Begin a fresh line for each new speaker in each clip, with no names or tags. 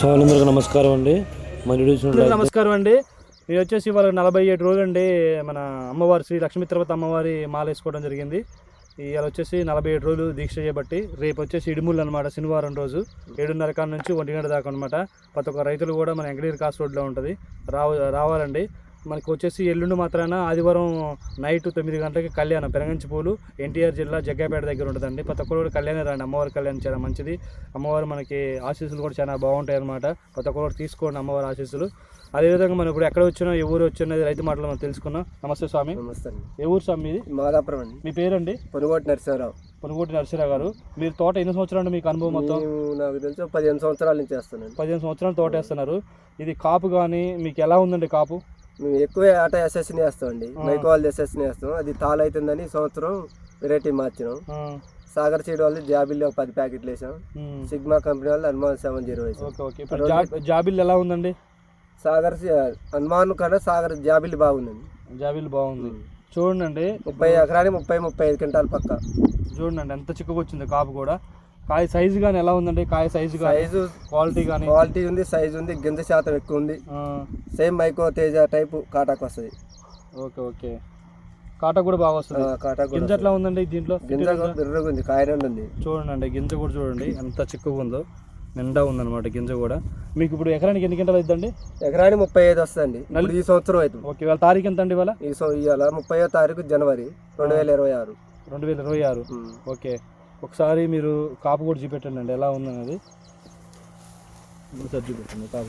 అందరికీ నమస్కారం అండి.
నమస్కారం అండి. నేను వచ్చేసి ఇవాళ 47 రోజులు అండి మన అమ్మవారి శ్రీ లక్ష్మీతిరుపతి అమ్మవారి మాల వేసుకోవడం జరిగింది. ఇవాళ వచ్చేసి 47 రోజులు దీక్ష చేయబట్టి రేపు వచ్చేసి ఇడుములు అనమాట. శనివారం రోజు 7:30 కాడ నుంచి 1 గంట దాకా అనమాట. ప్రతి ఒక్క రైతులు కూడా మన వెంకటగిరి కాస్ట్ రోడ్లో ఉంటుంది, రావాలండి. మనకు వచ్చేసి ఎల్లుండి మాత్రాన ఆదివారం నైట్ 9 గంటలకి కళ్యాణం పెరగంచి పూలు ఎన్టీఆర్ జిల్లా జగ్గాపేట దగ్గర ఉంటుందండి. ప్రతి ఒక్కరు కూడా కళ్యాణం రండి. అమ్మవారి కళ్యాణం చాలా మంచిది. అమ్మవారు మనకి ఆశీస్సులు కూడా చాలా బాగుంటాయి అనమాట. ప్రతి ఒక్కరు తీసుకోండి అమ్మవారి ఆశీస్సులు. అదేవిధంగా మనం ఇప్పుడు ఎక్కడ వచ్చినా ఏ ఊరు వచ్చినది రైతు మాటలు మనం తెలుసుకున్నాం. నమస్తే స్వామి.
నమస్తే.
ఏ ఊరు స్వామి మీది?
మాదాపురం అండి.
మీ పేరండి?
పొనుగోటి నరసింహరావు.
పొనుగోటి నరసింహరావు గారు, మీరు తోట ఎన్ని సంవత్సరాలు మీకు అనుభవం? మొత్తం
నాకు తెలిసి 15 సంవత్సరాల నుంచి చేస్తాను.
15 సంవత్సరాలు తోట వేస్తున్నారు. ఇది కాపు కానీ మీకు ఎలా ఉందండి కాపు?
మేము ఎక్కువ ఆట ఎస్ఎస్ని వేస్తామండి. మైకోవాల్ ఎస్ఎస్ని వేస్తాం. అది తాళ అవుతుందని ఈ సంవత్సరం వెరైటీ మార్చినాం. సాగర్ సీడ్ వాళ్ళు జాబిల్ 10 ప్యాకెట్లు వేసాం. సిగ్మా కంపెనీ వాళ్ళు హనుమాన్ 70 వేసాం.
జాబిల్ ఎలా ఉందండి?
సాగర్ హనుమాన్ కన్నా సాగర్ జాబిల్ బాగుందండి.
జాబిల్ బాగుంది. చూడండి
30 ఎకరానికి 30-35 క్వింటాల్ పక్క.
చూడండి ఎంత చిక్కుగా వచ్చింది కాపు కూడా. కాయ సైజు కానీ ఎలా ఉందండి? కాయ సైజు క్వాలిటీ కానీ?
క్వాలిటీ ఉంది, సైజు ఉంది, గింజ శాతం ఎక్కువ ఉంది. సేమ్ మైకో తేజ టైపు కాటాకు వస్తుంది.
ఓకే. కాటా కూడా బాగా వస్తుంది. గింజ ఎట్లా ఉందండి దీంట్లో?
గింజ బిర్రగా ఉంది, కాయ రెండు ఉంది.
చూడండి గింజ కూడా చూడండి ఎంత చిక్కుగా ఉందో, నిండా ఉందన్నమాట గింజ కూడా. మీకు ఇప్పుడు ఎకరానికి ఎన్ని గంటలు అవుతుందండి?
ఎకరానికి 35 వస్తుంది ఈ సంవత్సరం అవుతుంది.
ఓకే. వాళ్ళ తారీఖు ఎంత అండి? ఇవాళ
30వ తారీఖు జనవరి 2026.
ఓకే. ఒకసారి మీరు కాపు కూడా చూపెట్టండి అండి ఎలా ఉందనేది. చూపెట్టండి కాపు.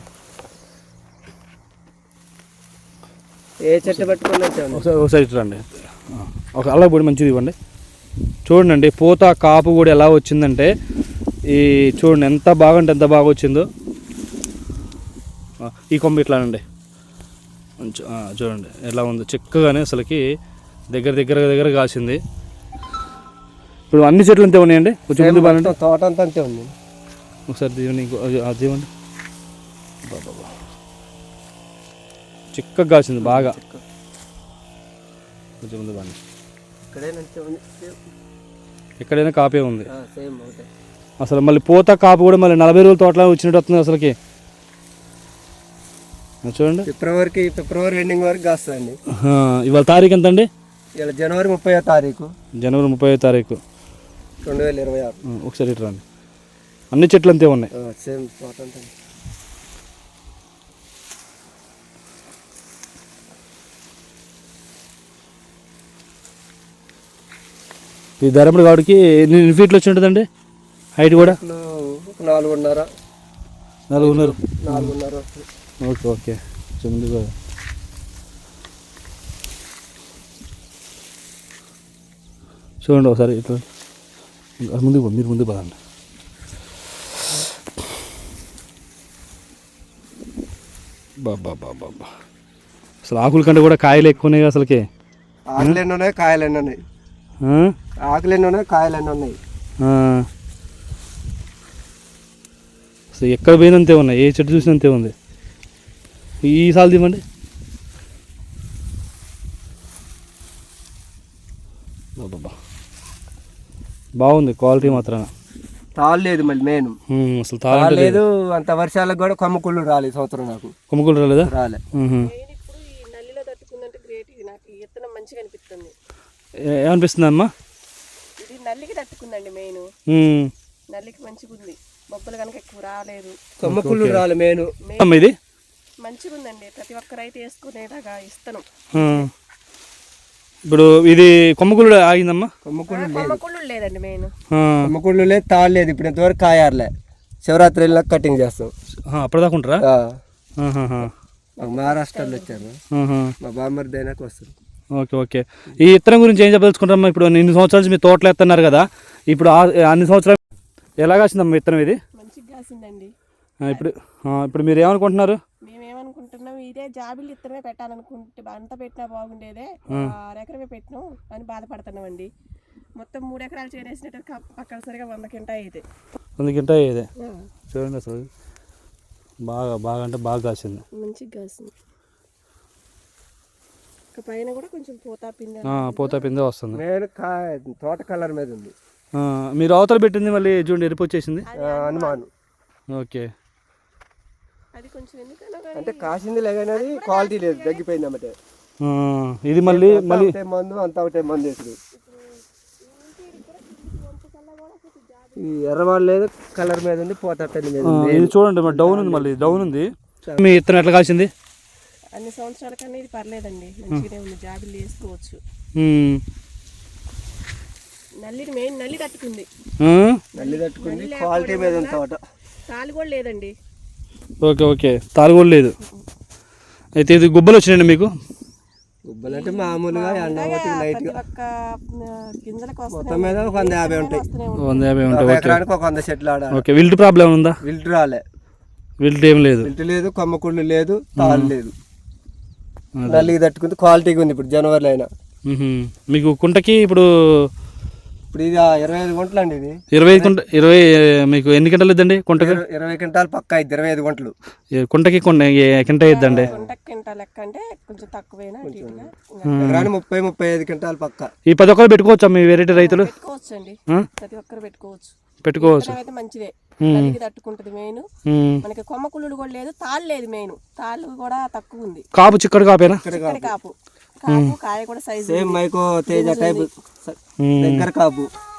ఏ చెట్టు పెట్టుకుని
ఒకసారి రండి. ఒక అలా పొడి మంచిది ఇవ్వండి. చూడండి పూత కాపు కూడా ఎలా వచ్చిందంటే ఈ చూడండి ఎంత బాగుంటే ఎంత బాగా వచ్చిందో. ఈ కొమ్మ ఇట్లానండి చూడండి ఎలా ఉందో చిక్కగానే అసలుకి దగ్గర కాసింది. ఇప్పుడు అన్ని చెట్లు అంతే ఉన్నాయండి. కొంచెం ముందు బాగా
తోట అంతా అంతే ఉంది.
ఒకసారి దీవండి బాబా చిక్కగా కాసింది బాగా. కొంచెం ముందు బాగా ఎక్కడైనా కాపే ఉంది అసలు. మళ్ళీ పూత కాపు కూడా మళ్ళీ 40 రోజుల తోటలో వచ్చినట్టు వస్తుంది అసలుకి. చూడండి
ఫిబ్రవరి ఎండింగ్ వరకు కాస్తుందండి.
ఇవాళ తారీఖు ఎంత అండి?
ఇలా జనవరి 30వ తారీఖు.
జనవరి 30వ తారీఖు
2026.
ఒకసారి ఇటు రండి. అన్ని చెట్లు అంతే ఉన్నాయి.
సేమ్ తోట అంతా.
ఈ ధరముడు కాడికి ఎన్ని ఫీట్లు వచ్చి ఉంటుందండి హైట్ కూడా?
4.5.
ఓకే. ముందు చూడండి ఒకసారి ఇట్లా మీరు ముందు పదండి. బాబా అసలు ఆకుల కంటే కూడా కాయలు ఎక్కువ ఉన్నాయి అసలుకి.
ఆకులు ఎన్ని ఉన్నాయి, కాయలు ఎన్ని ఉన్నాయి? ఆకులు ఎన్ని ఉన్నాయి, కాయలు ఎన్ని ఉన్నాయి?
అసలు ఎక్కడ పోయినంతే ఉన్నాయి, ఏ చెట్టు చూసినంతే ఉంది. ఈ సాలు తీమండి. బాబా బాగుంది క్వాలిటీ మాత్రం.
తాళ్ళు లేదు మళ్ళీ మెయిన్
అసలు తాళ్ళు
లేదు. అంత వర్షాలకు కూడా కొమ్మకుళ్ళు రాలేదు ఈ సంవత్సరం. నాకు
కొమ్మకుళ్ళు రాలేదా?
రాలే.
ఏమనిపిస్తుంది అమ్మా?
ఇది నల్లికి తట్టుకుందండి. మెయిన్ నల్లికి మంచిగా ఉంది. బొబ్బలు కనుక ఎక్కువ రాలేదు.
కొమ్మకుళ్ళు రాలే మెయిన్.
ఇది
మంచిగా ఉందండి. ప్రతి ఒక్క రైతు వేసుకునేలాగా ఇస్తాను.
ఇప్పుడు ఇది కొమ్మకుళ్ళు ఆగిందమ్మా?
కొమ్మకుళ్ళు లేదండి. మెయిన్
కొమ్మకుళ్ళు లేదు, తాళ్ళు లేదు. ఇప్పుడు ఎంతవరకు కాయారులే. శివరాత్రి వెళ్ళినాక కటింగ్ చేస్తాం.
అప్పటిదాకా ఉంటారా?
మహారాష్ట్రలో వచ్చారు. మా బామ్మర్ది అయినాక వస్తుంది.
ఓకే. ఈ ఇత్తనం గురించి ఏం చెప్పదలుచుకుంటారమ్మా? ఇప్పుడు 2 సంవత్సరాల నుంచి మీరు తోటలు ఎత్తున్నారు కదా, ఇప్పుడు అన్ని సంవత్సరాలు ఎలా కాసిందమ్మా విత్తనం ఇది?
మంచిగా కాసిందండి.
ఇప్పుడు మీరు ఏమనుకుంటున్నారు?
మేమేమనుకుంటున్నాం, ఇదే జాబిల్ ఇత్తనమే పెట్టాలనుకుంటే అంతా పెట్టినా బాగుండేదే, 6 ఎకరమే పెట్టినాం అని బాధపడుతున్నామండి. మొత్తం 3 ఎకరాలు చేరేసినట్టు పక్కన సరిగా 100 కింటా అయితే
100 కింటా అయ్యేదే. చూడండి అసలు బాగా అంటే బాగా కాసింది.
మంచిగా కాసింది. పైన కూడా కొంచెం
పోతా పిందే వస్తుంది.
తోట కలర్ మీద ఉంది.
మీరు అవతల పెట్టింది మళ్ళీ చూడండి ఎరుపు వచ్చేసింది.
హనుమాన్.
ఓకే.
అది కొంచెం ఎందుకన్నా కానీ
అంటే కాసింది లేదని క్వాలిటీ లేదు, తగ్గిపోయింది అన్నమాట.
ఇది మళ్ళీ
ఒకటే మందు అంతా ఒకటే మందు వేసుడు. ఈ ఎర్రవాళ్ళు లేదు, కలర్ మీద ఉంది, పోతట్టని మీద ఉంది.
ఇది చూడండి మరి డౌన్ ఉంది, మళ్ళీ డౌన్ ఉంది. మీ ఇత్తనం ఎట్లా కాసింది?
అన్ని సంవత్సరాల కన్నా ఇది పర్లేదండి, మంచిగానే ఉంది, జాబిల్లి వేసుకోవచ్చు. నల్లిని మెయిన్ నల్లి తట్టుకుంది,
నల్లి తట్టుకుంది, క్వాలిటీ మీద ఉంది తోట.
తాలు కూడా లేదండి.
ఓకే ఓకే, తాలు కూడా లేదు. అయితే ఇది గుబ్బలు వచ్చినాయండి మీకు?
గుబ్బలు అంటే మామూలుగా ఎండ ఒకటి లైట్ గా
ఒక్క గింజలకు
మొత్తం మీద ఒక 150 ఉంటాయి.
150 ఉంటాయి.
ఎకరానికి ఒక 100 చెట్లు ఆడ.
ఓకే, విల్ట్ ప్రాబ్లం ఉందా?
విల్ట్ రాలే,
విల్ట్ ఏం లేదు.
విల్ట్ లేదు, కొమ్మకుళ్ళు లేదు, తాళ్ళు లేదు. నల్లికి తట్టుకుంది, క్వాలిటీగా ఉంది. ఇప్పుడు జనవరిలో అయినా
మీకు కుంటకి ఇప్పుడు
ఇది 25 గుంటలు అండి. ఇది
20 మీకు ఎన్ని గంటలు ఇద్దండి కుంటకి?
20 క్వింటాలు పక్కా అయింది, 25 గుంటలు.
కుంటకి కింట ఇద్దండి?
కింటా లెక్క అంటే కొంచెం తక్కువేనా,
ఎకరానికి 30-35 క్వింటాలు పక్కా.
ఈ 10 ఒక్కరు పెట్టుకోవచ్చా మీ వెరైటీ రైతులు?
పెట్టుకోవచ్చు అండి, ప్రతి ఒక్కరు పెట్టుకోవచ్చు. అయితే మంచిదే, నల్లికి తట్టుకుంటది మెయిన్. మనకి కొమ్మ కుళ్ళుడు కూడా లేదు, తాళ్ళు లేదు, మెయిన్ తాళ్ళు కూడా తక్కువ ఉంది.
కాపు చిక్కడు కాపేనా?
కాపు కాపు కాయ కూడా size
same Mahyco Teja type దగ్గర కాపు.